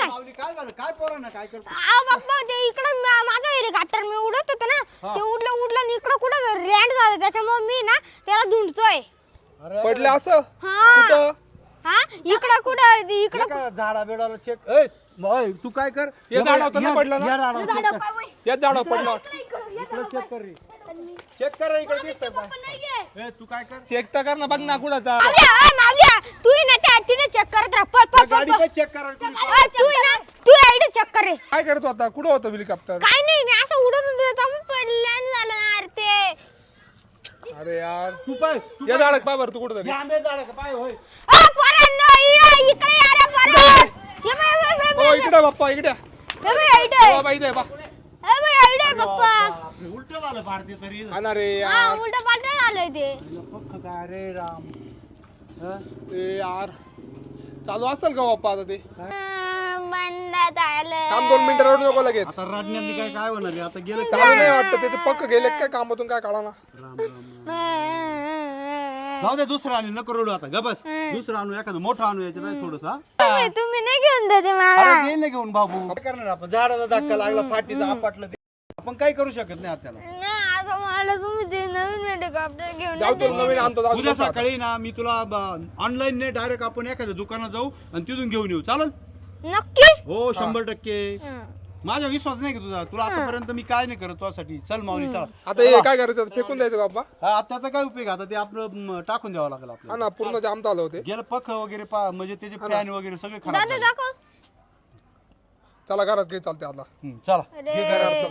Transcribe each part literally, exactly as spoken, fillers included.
काय काय झालं काय पोरं ना काय करतो आ बाप्पा ते इकडं माझं हेलिकॉप्टर मी उडत होतो ना ते उडलं उडलं आणि इकडं कुठं लँड झालं त्याच्यामुळे मी ना त्याला धुंडतोय पडलं असं हा कुठं हा इकडं कुठं इकडं का झाडा बिडाला चेक ए मग तू काय कर हे झाड होतं ना पडलं ना या झाडावर check झाडं कर. पाय- याच झाडावर पडलं इकडं चेक कर रे चेक कर रे, इकडे दिसतंय का ए तू काय कर चेक तर कर ना बघ ना कुठं जा मावल्या आ, मावल्या तू ही ना त्या तिथे चेक करत राह पळ पळ पळ गाडी पळ. पण चेक करा आ, तू ही ना तू आयडी चेक कर रे काय करतो आता कुठं होतं हेलिकॉप्टर काय नाही मी असं उडत होतो तेव्हा पडलं झालं यार ते अरे यार तू पाय तू या झाडात पाय बरं तू कुठं तरी आंबे झाड का पाय होय आ पोरांनो इकडे इकडे या रे पोरं ये बाय बाय बाय ओ इकडे बाप्पा इकडे ये बाय आयडी बाबा इथे बा ए बाय आयडी पप्पा बापरे, उलटं झालं भारती तरी आणा रे हा यार उलट पालट झालंय ते पक्क काय रे राम हं? ए यार चालू असेल का बाप्पा आता ते अं, बंद झालं थांब दोन मिनिटं रडू नको लगेच आता रडण्याने काय काय होणार रे आता गेलं चालू नाही वाटतं त्याचे पक्क गेले काय कामातून काय काढा ना राम राम जाऊ दे दुसरं आणू नको रडू आता ग बस दुसरं आणू एखादं मोठं आणू याच्या पाहिजे थोडस तुम्ही तुम्ही नाही घेऊन देते मला अरे दे ना घेऊन बाबू काय करणार आपण झाडाला धक्का लागला फाटीचा आपटलं ते आपण काही करू शकत नाही आपल्याला नाही आता मला तुम्ही ते नवीन हेलिकॉप्टर घेऊन जाऊ देते. तू नवीन आणतो जाऊ उद्या दे आता. सकाळी ना मी तुला ऑनलाईन नाही डायरेक्ट आपण एखाद्या दुकानात जाऊ आणि तिथून घेऊन येऊ चालेल नक्की हो शंभर टक्के हं. माझा विश्वास नाही की तुझा तुला आतापर्यंत मी काय नाही करत तुझ्यासाठी चल माऊली चला आता हे काय करायचं आता? फेकून द्यायचं का बाप्पा हा, त्याचा काय उपयोग आता ते आपलं म, टाकून द्यावं लागेल हा आपल्याला ना पूर्ण जाम झालं होते गेलं पख वगैरे पा म्हणजे त्याचे फॅन वगैरे सगळे खराब दादा झाले. दाखव चला घरात घे चालते आता हं, चला अरे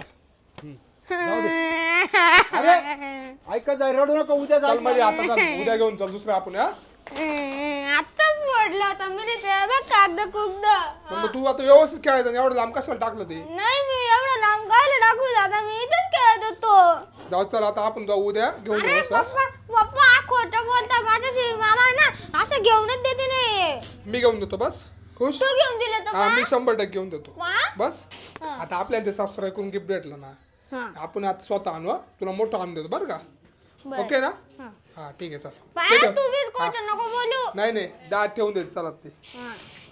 ऐकत जाय रडू नका उद्या चल मध्ये आता चल उद्या घेऊन चल दुसरं आपण हा आताच मोडलं होतं मी ते बघ कागद कुगद पण मग तू आता व्यवस्थित खेळायचं आणि एवढं लांब कशाला टाकलं ते नाही मी एवढं लांब गायला टाकू दादा मी इथेच खेळत होतो जाऊ चल आता आपण जाऊ उद्या घेऊन अरे येऊ असं. पप्पा पप्पा हा खोटं बोलता माझ्याशी मला ना असं घेऊनच देते नाही मी घेऊन देतो बस खुश तू घेऊन दिलं तर हा मी शंभर टक्के घेऊन देतो वा बस हा. आता आपल्याला ते सासरा ऐकून गिफ्ट भेटलं ना हा आपण आता स्वतः आणू हा. तुला मोठं आणून देतो बरं का बरं. ओके ना हा. हा ठीक आहे चल बाया ठीक आहे. तू बी खोटं नको बोलू नाही नाही दात ठेवून देत चला ते हा.